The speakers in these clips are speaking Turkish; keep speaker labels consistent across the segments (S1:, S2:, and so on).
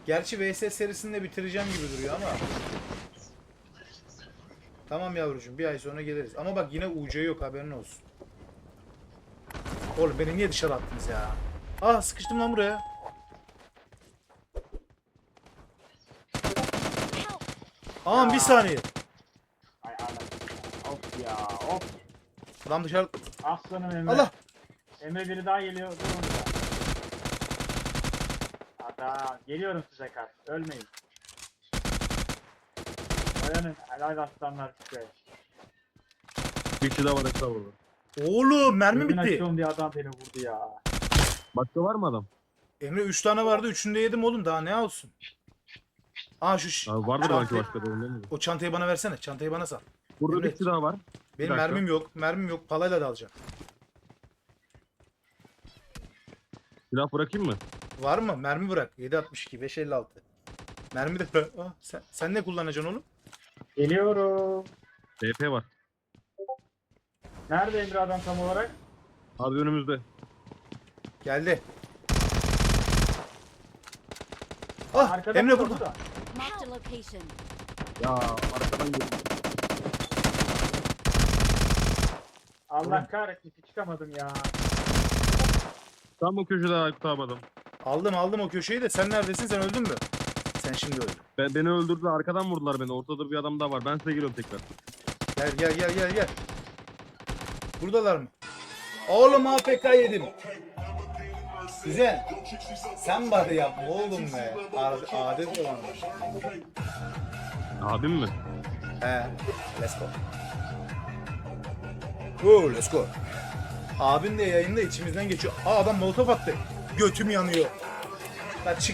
S1: Gerçi VS serisini de bitireceğim gibi duruyor ama. Tamam yavrucuğum, bir ay sonra geliriz. Ama bak yine UC yok, haberin olsun. Oğlum beni niye dışarı attınız ya? Ah, sıkıştım lan buraya. Aman bir saniye.
S2: Ay anam. Of ya of.
S1: Lan dışarı.
S2: Aslanım Emre.
S1: Allah.
S2: Emre biri daha geliyor. Dur orada. Hatta geliyorum size kaç. Ölmeyin. Dayanın. Helal aslanlar size.
S3: Bir kişi daha var hesabı.
S1: Oğlum mermi
S2: Dürbün
S1: bitti.
S2: açıyorum diye adam beni vurdu ya.
S3: Başka var mı adam?
S1: Emre 3 tane vardı, 3'ünü de yedim oğlum, daha ne olsun. Aa
S3: Abi vardır
S1: çantayı-
S3: belki başka da değil mi?
S1: O çantayı bana versene, çantayı bana sal.
S3: Burada
S1: Emre,
S3: bir kişi daha var.
S1: Benim
S3: dakika.
S1: mermim yok, palayla da alacağım.
S3: Silah bırakayım mı?
S1: Var mı? Mermi bırak. 7.62, 5.56. Mermi de bırak. Ah, sen ne kullanacaksın oğlum?
S2: Geliyorum.
S3: DP var.
S2: Nerede Emre adam tam olarak?
S3: Abi önümüzde.
S1: Geldi. Ah,
S2: Arkada
S1: Emre
S2: mı,
S1: burada.
S4: Marked a location.
S3: Ya arkadan geliyor.
S2: Allah kahretsin çıkamadım ya.
S3: Tam o köşede Aykut abi adam.
S1: Aldım o köşeyi de, sen neredesin? Sen öldün mü? Sen şimdi öldün.
S3: Beni öldürdüler, arkadan vurdular beni. Ortada bir adam daha var. Ben size geliyorum tekrar.
S1: Gel. Buradalar mı? Oğlum AFK yedim. Güzel. Sen bari yapma oğlum be. Adet olan.
S3: Abim mi?
S1: He. Let's go. Oo, let's go. Abin de yayında içimizden geçiyor. Aa, adam molotof attı. Götüm yanıyor. Lan çık.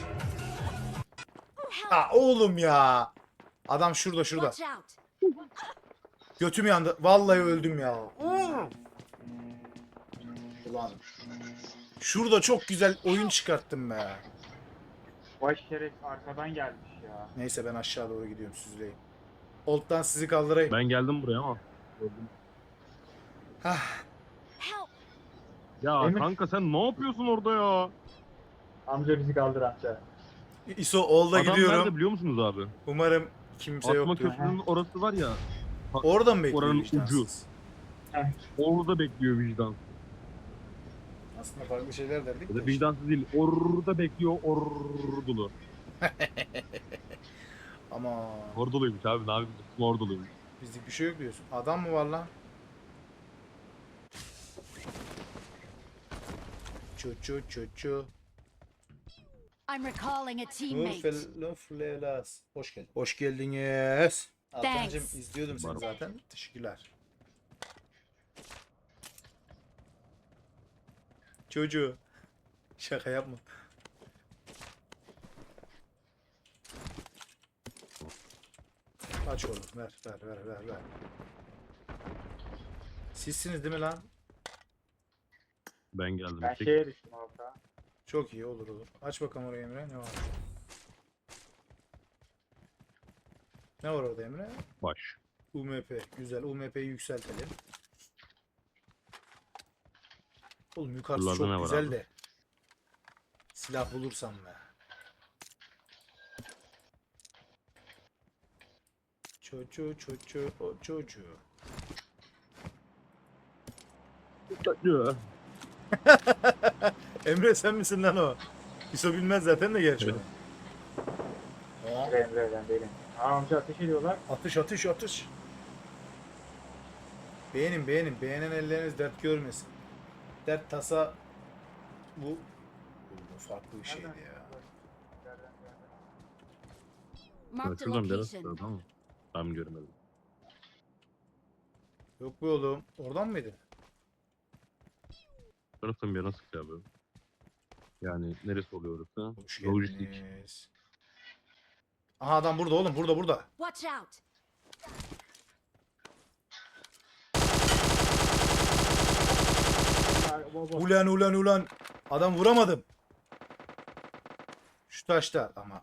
S1: Aa, oğlum ya. Adam şurada.
S4: Watch out.
S1: Götüm yandı. Vallahi öldüm ya. Ulan. Şurada çok güzel oyun çıkarttım be.
S2: Baş şeref arkadan gelmiş ya.
S1: Neyse, ben aşağı doğru gidiyorum, süzüleyim. Old'dan sizi kaldırayım.
S3: Ben geldim buraya ama.
S1: Hah.
S4: Help.
S3: Ya
S2: Emir.
S3: kanka sen ne yapıyorsun orada ya?
S2: Amca bizi kaldır amca.
S1: ISO Old'a
S3: Adam
S1: gidiyorum.
S3: nerede biliyor musunuz abi?
S1: Umarım kimse
S3: Atma
S1: yoktur.
S3: köprünün orası var ya.
S1: Orada mı bekliyor
S3: Oranın
S1: vicdansız?
S3: Orada bekliyor vicdan.
S1: Aslında farklı şeyler derdik
S3: Ya
S1: de.
S3: da vicdansız değil. Orada bekliyor ordulu.
S1: Ama
S3: Orduluymuş abi, ne yapayım? Orduluymuş.
S1: bizlik bir şey yok diyorsun. Adam mı var lan? Çu.
S4: I'm recalling a teammate.
S1: Nurfelas. Hoş geldin. Hoş geldiniz. Altancığım,
S4: Thanks.
S1: izliyordum seni
S3: Var.
S1: zaten. Teşekkürler. Çocuğu. Şaka yapma. Aç oğlum. Ver. Sizsiniz değil mi lan?
S3: Ben geldim.
S2: Ben
S3: Tek-
S2: şeye düştüm alta.
S1: Çok iyi, olur. Aç bakalım oraya Emre. Ne var? Ne var orada Emre?
S3: Baş.
S1: UMP. Güzel. UMP'yi yükseltelim. Oğlum yukarısı
S3: Buralarda
S1: çok
S3: ne var
S1: güzel
S3: abi?
S1: de. Silah bulursam be. O çocuğu. Emre sen misin lan o? İso bilmez zaten de gerçi.
S3: Evet.
S2: Emre ben değilim. Amca ateş ediyorlar.
S1: Atış. Beğenin. Beğenen elleriniz dert görmesin. Dert tasa bu farklı bir şeydi
S2: Nereden?
S1: ya.
S2: Nereden?
S4: Marked a
S3: Şuradan biraz
S4: location.
S3: tamam mı? Tam görmedim.
S1: Yok be oğlum. Oradan mıydı?
S3: Taraftan bir yana sıktı abi. Yani neresi oluyor orası?
S1: Hoş
S3: Lojistik.
S1: geldiniz. Aha, adam burada oğlum. Burada.
S4: Watch out.
S1: Ulan. Adam vuramadım. Şu taşta ama.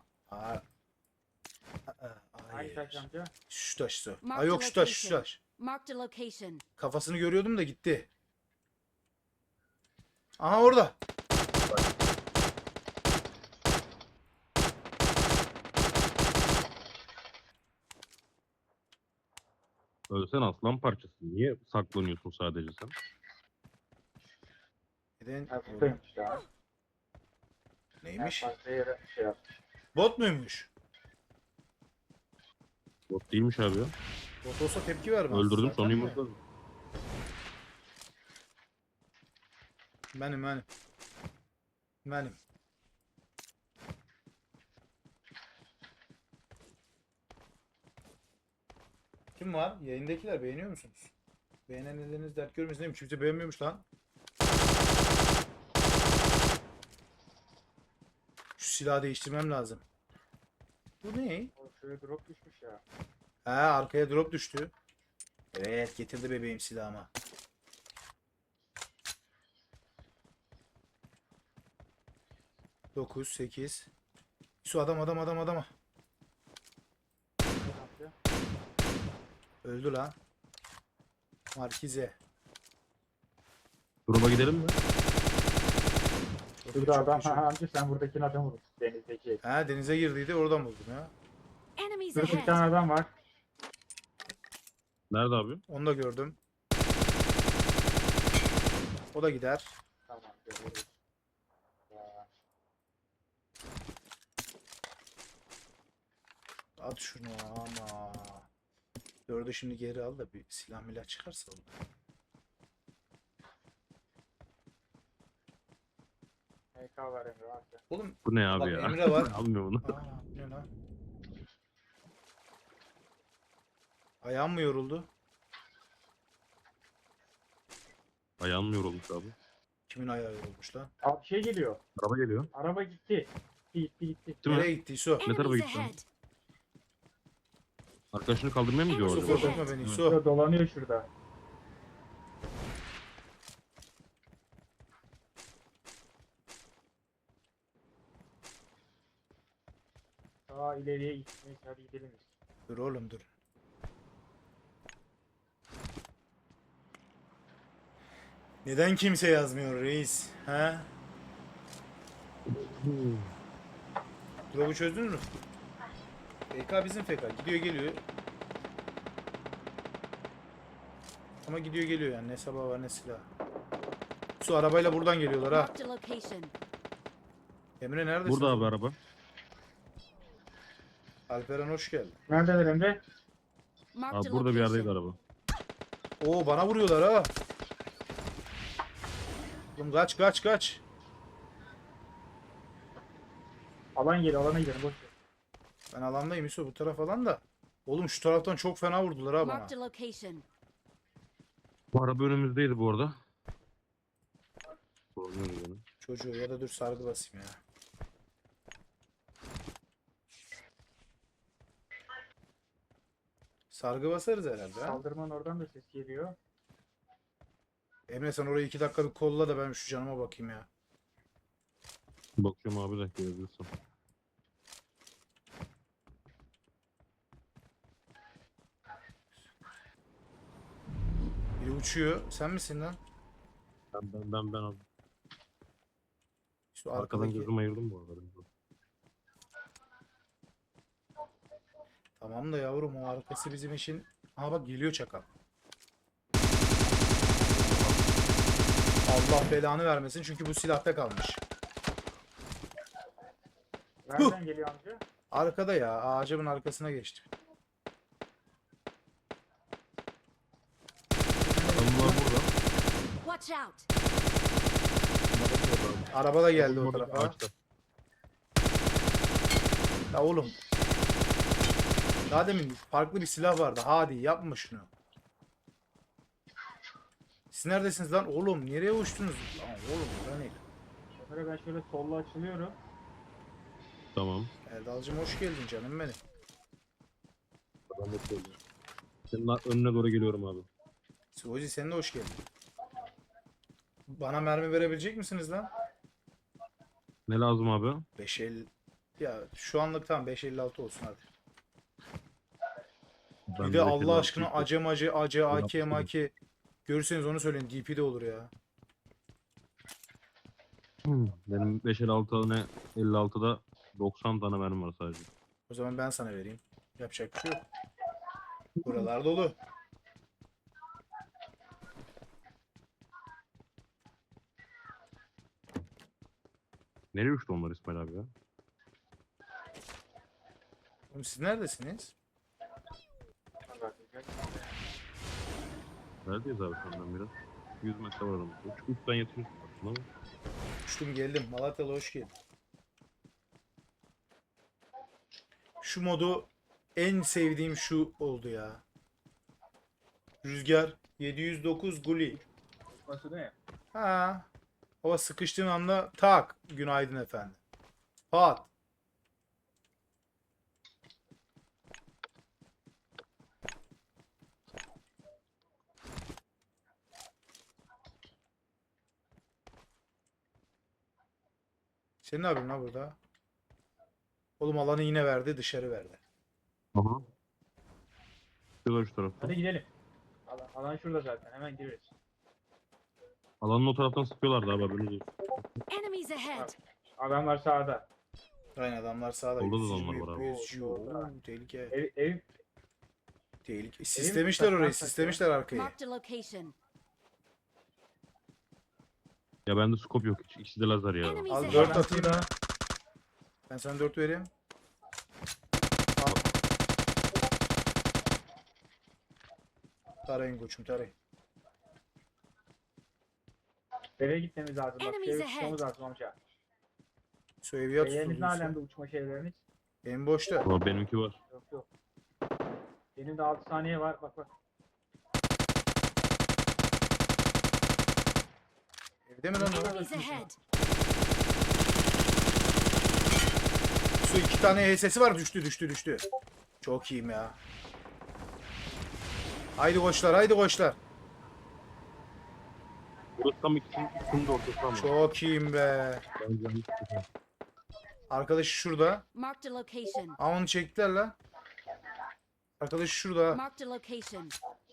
S2: Hangi taş amca?
S1: Şu taş.
S4: Mark
S1: Ay yok,
S4: the
S1: şu taş.
S4: location. Marked a location.
S1: Kafasını görüyordum da gitti. Aha orada.
S3: Ölsen aslan parçası. Niye saklanıyorsun sadece sen?
S1: Neden?
S2: Hafifeymiş ya.
S1: Neymiş?
S2: En fazla yere şey yapmış.
S1: Bot muymuş?
S3: Bot değilmiş abi ya.
S1: Bot olsa tepki vermez.
S3: Öldürdüm
S1: zaten
S3: sonra
S1: de.
S3: yumurtladım.
S1: Benim. Benim. Kim var? Yayındakiler beğeniyor musunuz? Beğenen elleriniz dert görmesin değil mi? Kimse beğenmiyormuş lan. Şu silahı değiştirmem lazım. Bu ne?
S2: O şöyle drop düşmüş ya.
S1: Ha, arkaya drop düştü. Evet, getirdi bebeğim silahıma. Dokuz, 8. Su adam.
S2: Ne yapıyor?
S1: Öldü lan. Markize.
S3: Drop'a gidelim mi?
S1: Çok iyi,
S2: Şurada
S1: çok
S2: adam.
S1: iyi, çok iyi.
S2: Amca sen buradakini adam vurmuşsun. Denizdeki.
S1: Ha, denize girdiydi, oradan buldum ya.
S4: Enemies
S2: Şurada bir
S4: ahead.
S2: tane adam var.
S3: Nerede abi?
S1: Onu da gördüm. O da gider.
S2: Tamam. Görüyoruz. Ya,
S1: At şunu ama. Dördü şimdi geri al da bir silah milah çıkarsa olur.
S2: MK var Emre amca.
S1: Oğlum
S3: Bu ne abi
S1: bak
S3: ya?
S1: Emre var.
S3: Almıyor bunu.
S1: Aa, ne lan? Ayağım mı yoruldu?
S3: Ayağım mı yorulmuş abi?
S1: Kimin ayağı yorulmuş lan?
S2: Abi şey geliyor.
S3: Araba geliyor.
S2: Araba gitti. Gitti.
S3: Değil mi?
S1: Nereye gitti İso?
S3: Ne tarafa
S4: Enemies
S3: gitti?
S4: ahead.
S3: Arkadaşını kaldırmaya mı gidiyor
S1: İso
S3: orada?
S1: korkutma beni İso.
S2: Şurada dolanıyor şurada. Daha ileriye gitmeyiz. Hadi gidelim biz.
S1: Dur oğlum dur. Neden kimse yazmıyor reis? Ha? Drop'u çözdün mü? FK bizim FK. Gidiyor geliyor. Ama gidiyor geliyor yani. Ne sabah var ne silah. Su arabayla buradan geliyorlar ha.
S4: Marked a location.
S1: Emre neredesin?
S3: Burada abi araba.
S1: Alperen hoş geldin.
S2: Neredeler Emre?
S4: Marked
S3: Abi
S4: a
S3: burada bir yerdeydi
S4: location.
S3: araba.
S1: Oo bana vuruyorlar ha. Oğlum kaç.
S2: Alan geliyor. Alana gidelim. Boş ver.
S1: Ben alandayım İso bu taraf alan da. Oğlum şu taraftan çok fena vurdular ha bana.
S4: Marked a location.
S3: Bu araba önümüzdeydi bu arada. Sormuyoruz onu.
S1: Çocuğu ya da dur sargı basayım ya. Sargı basarız herhalde ha.
S2: Saldırman oradan da ses geliyor.
S1: Emre sen orayı 2 dakika bir kolla da ben şu canıma bakayım ya.
S3: Bakıyorum abi de görebilirsem.
S1: Biri uçuyor. Sen misin lan?
S3: Ben abi.
S1: Şu
S3: Arkadan
S1: arkadaki.
S3: gözümü ayırdım bu arada.
S1: Tamam da yavrum o arkası bizim işin. Aha bak geliyor çakal. Allah belanı vermesin çünkü bu silahta kalmış.
S2: Nereden geliyor amca?
S1: Arkada ya ağacımın arkasına geçti.
S3: Adamlar burada.
S4: Watch out.
S1: Araba da geldi o
S3: Orada
S1: tarafa.
S3: ağaçta.
S1: Ya oğlum. Daha demin farklı bir silah vardı. Hadi yapma şunu. Siz neredesiniz lan? Oğlum nereye uçtunuz? Lan oğlum bura ne?
S2: Emre ben şöyle solla açılıyorum.
S3: Tamam.
S1: Erdal'cım hoş geldin canım benim.
S3: Adam da söylüyor. Senin önüne doğru geliyorum abi.
S1: Sivoci sen de hoş geldin. Bana mermi verebilecek misiniz lan?
S3: Ne lazım abi?
S1: 5.50 ya şu anlık tamam 5.56 olsun hadi.
S3: Ben
S1: Bir de Allah
S3: kenara
S1: aşkına
S3: çektim.
S1: acı AK
S3: Yaptım.
S1: maki görürseniz onu söyleyin DP de olur ya.
S3: Benim 556 ne 56'da 90 tane mermi var sadece.
S1: O zaman ben sana vereyim. Yapacak bir şey yok. Buralar dolu.
S3: Nereye uçtu onlar İsmail abi ya?
S1: Oğlum siz neredesiniz?
S3: Neredeyiz abi senden biraz? 100 metre var aramızda. Uçtan yatıyorsun aslında ama.
S1: Uçtum geldim. Malatyalı hoş geldin. Şu modu en sevdiğim şu oldu ya. Rüzgar 709 Guli.
S2: Nasıl değil mi?
S1: Ha. Hava sıkıştığın anda tak. Günaydın efendim. Pat. Sen ne yapıyorsun lan burada? Oğlum alanı yine verdi, dışarı verdi.
S3: Aha. Şurada şu tarafta.
S2: Hadi gidelim. Alan şurada zaten. Hemen gireriz.
S3: Alanın o taraftan sıkıyorlardı abi haberiniz olsun.
S4: Enemies ahead.
S2: Adamlar sağda.
S1: Aynen adamlar sağda.
S3: Solda da
S1: 120,
S3: adamlar var abi.
S1: 100, oo, tehlike.
S2: Ev
S1: Tehlike. Sistemişler orayı,
S2: taşlar
S1: sistemişler arkayı.
S4: Marked a location.
S3: Ya bende scope yok hiç. İkisi de lazer ya.
S4: Enemies
S1: Al
S4: ahead.
S1: 4 atayım mı? Ben sana 4 vereyim. Al. Tarayın koçum tarayın.
S2: eve gitmemiz lazım. Bak
S4: Enemies
S2: eve
S4: ahead.
S2: çıkmamız lazım amca.
S1: Su evi yat
S2: Şeyleriniz ne
S1: tutulduysa.
S2: alemde uçma şeyleriniz?
S1: Benim boşta.
S3: Ama benimki var.
S2: Yok yok. Benim de 6 saniye var. Bak bak.
S1: Evde mi lan o?
S4: Enemies ahead.
S1: Su 2 tane HS'si var, düştü. Çok iyiyim ya. Haydi koçlar, haydi koçlar.
S3: Burası tam ikisinin de ortası ama.
S1: Çok iyiyim be.
S3: Bence hiç sıkıntı yok.
S1: Arkadaş şurada.
S4: Marked a location.
S1: Aa onu çektiler lan. Arkadaş şurada.
S4: Marked a location.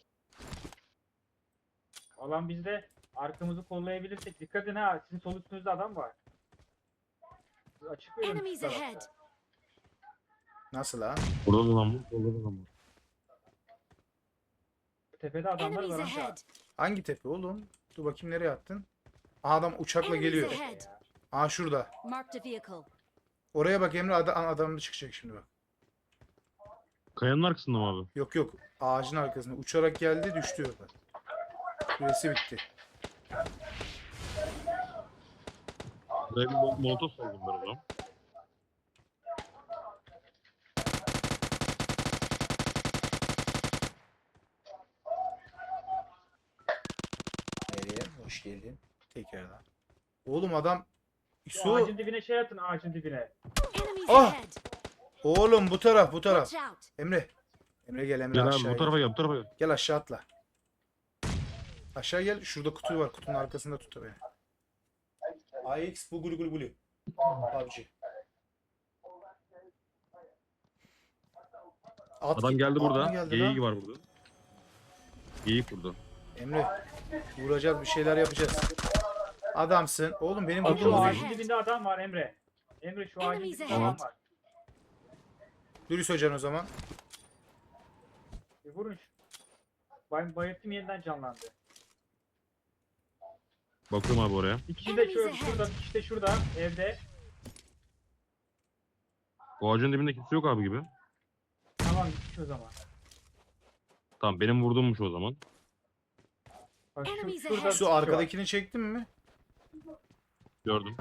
S2: Alan bizde. Arkamızı kollayabilirsek. Dikkat edin ha. Sizin sol üstünüzde adam var. Açık verin.
S4: Enemies
S2: şu tarafta.
S4: ahead.
S1: Nasıl ha?
S3: Burada da adam var. Orada da adam var.
S2: Tepede adamlar
S4: Enemies
S2: var amca.
S4: ahead.
S1: Hangi tepe oğlum? Dur bakayım nereye attın? Aa, adam uçakla
S4: Enemies
S1: geliyor.
S4: ahead.
S1: Aa şurada.
S4: Marked a vehicle.
S1: Oraya bak Emre, adam da çıkacak şimdi bak.
S3: Kayanın arkasında mı abi?
S1: Yok yok, ağacın arkasında uçarak geldi, düştü orada. Süresi bitti.
S3: Buraya bir molotof saldım ben o zaman.
S1: Nereye? Hoş geldin. Tekrardan. Oğlum adam
S2: Şu ağacın dibine şey atın ağacın dibine.
S4: Enemies
S1: Ah!
S4: ahead.
S1: Oğlum bu taraf.
S4: Watch out.
S1: Emre. Emre gel Emre
S3: Gel abi
S1: aşağı
S3: bu tarafa gel bu tarafa gel.
S1: Gel aşağı atla. Aşağı gel. Şurada kutu var. Kutunun arkasında tut beni. AX bu gulu gulu gulu. PUBG.
S3: Adam geldi burada.
S1: geldi
S3: Geyik
S1: lan.
S3: var burada. Geyik burada.
S1: Emre. Vuracağız, bir şeyler yapacağız. Adamsın. Oğlum benim
S3: Al
S1: vurduğum
S3: şunu.
S2: Şu
S1: değil.
S2: ağacın dibinde adam var Emre. Emre şu ağacın
S4: Enemies
S2: dibinde
S4: ahead.
S2: adam var.
S1: Dürüst hocan o zaman.
S2: Vurun. Bayılttım yeniden canlandı.
S3: Bakıyorum abi oraya.
S2: Bir kişi de
S4: Enemies
S2: şurada,
S4: ahead.
S2: bir kişi de şurada evde.
S3: O ağacın dibinde kimse yok abi gibi.
S2: Tamam gitmiş o zaman.
S3: Tamam benim vurduğummuş o zaman.
S2: Bak
S4: Enemies
S2: şurada
S4: ahead.
S2: bir
S1: Su
S2: kişi var.
S1: arkadakini çektin mi?
S3: Gördüm.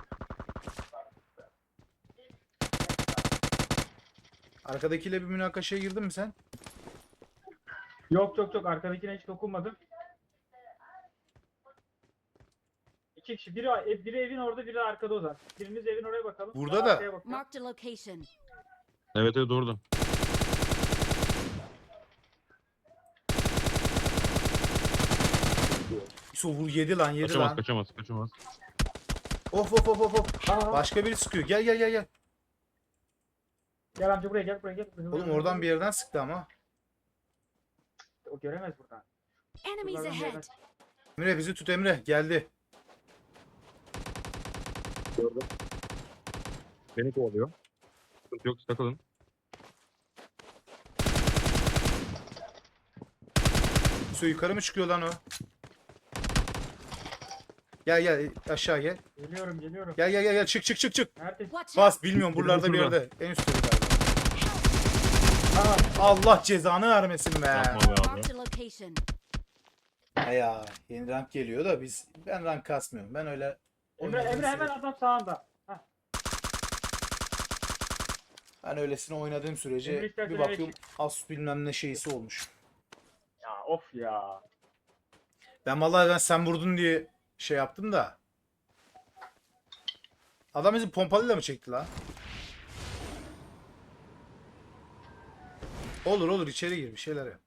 S1: Arkadakiyle bir münakaşaya girdin mi sen?
S2: Yok arkadakine hiç dokunmadım. İki kişi. Biri evin orada, biri arkada o zaman. Biriniz evin oraya bakalım.
S1: Burada
S2: ben
S1: da.
S2: arkaya bakıyorum.
S4: Marked a location.
S3: Evet orada.
S1: Su vur, yedi lan, yedi
S3: Kaçamaz
S1: lan.
S3: kaçamaz.
S1: Of.
S2: Aa,
S1: Başka biri sıkıyor. Gel.
S2: gel amca buraya gel.
S1: Oğlum oradan bir yerden sıktı ama.
S2: O göremez buradan.
S4: Enemies
S2: Şuradan bir yerden-
S4: ahead.
S1: Emre bizi tut Emre. Geldi.
S3: Gördüm. Beni kovalıyor. Sıkıntı yok takılın.
S1: Su yukarı mı çıkıyor lan o? Gel gel aşağı gel.
S2: Geliyorum geliyorum.
S1: Gel çık çık çık çık.
S2: Neredesin?
S4: Watch out!
S1: Bas bilmiyorum buralarda bir
S3: şurada.
S1: yerde. En üstte bir galiba. Allah cezanı vermesin be.
S3: Yapma be abi.
S4: Marked a location.
S1: Ya yeni rank geliyor da ben rank kasmıyorum. Ben öyle
S2: Emre
S1: oynadığım
S2: hemen
S1: süre-
S2: adam sağında. Hah.
S1: ben öylesine oynadığım sürece
S2: Emre istersen
S1: bir
S2: eve
S1: bakıyorum Asus bilmem ne şeysi olmuş.
S2: Ya of ya.
S1: Ben sen vurdun diye şey yaptım da. Adam bizi pompalıyla mı çekti la? Olur içeri gir bir şeyler yap.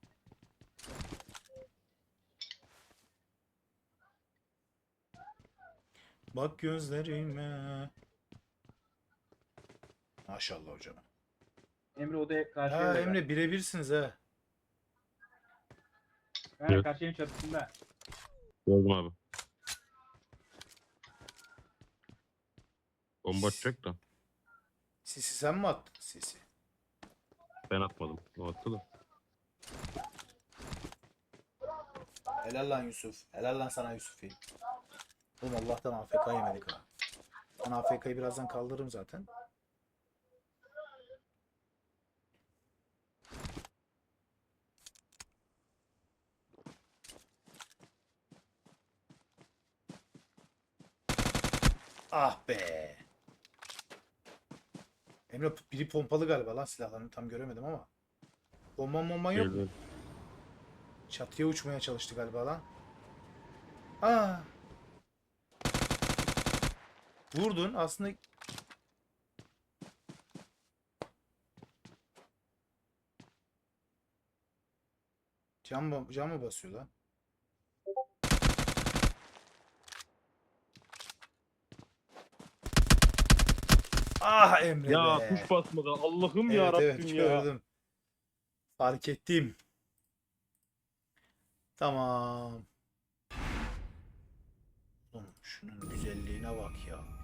S1: Bak gözlerime. Maşallah hocam.
S2: Emre odaya karşı
S1: Ha
S2: evde.
S1: Emre birebirsiniz ha.
S2: Evet. Karşı evin çatısında.
S3: Gördüm abi. Bomba atacak da.
S1: Sisi sen mi attın sisi?
S3: Ben atmadım. O attı da.
S1: Helal lan Yusuf. Helal lan sana Yusuf'i. Oğlum Allah'tan AFK yemedik ha. Ben AFK'yı birazdan kaldırırım zaten. Ah be. Emre biri pompalı galiba lan silahlarını tam göremedim ama. Bomban yok mu?
S3: Geliyor.
S1: Çatıya uçmaya çalıştı galiba lan. Aa. Vurdun aslında. Cam mı basıyor lan? Ah Emre
S3: Ya
S1: be.
S3: tuş basmadı. Allah'ım ya
S1: Evet
S3: Rabbim ya.
S1: gördüm. Fark ettim. Tamam. Oğlum şunun güzelliğine bak ya.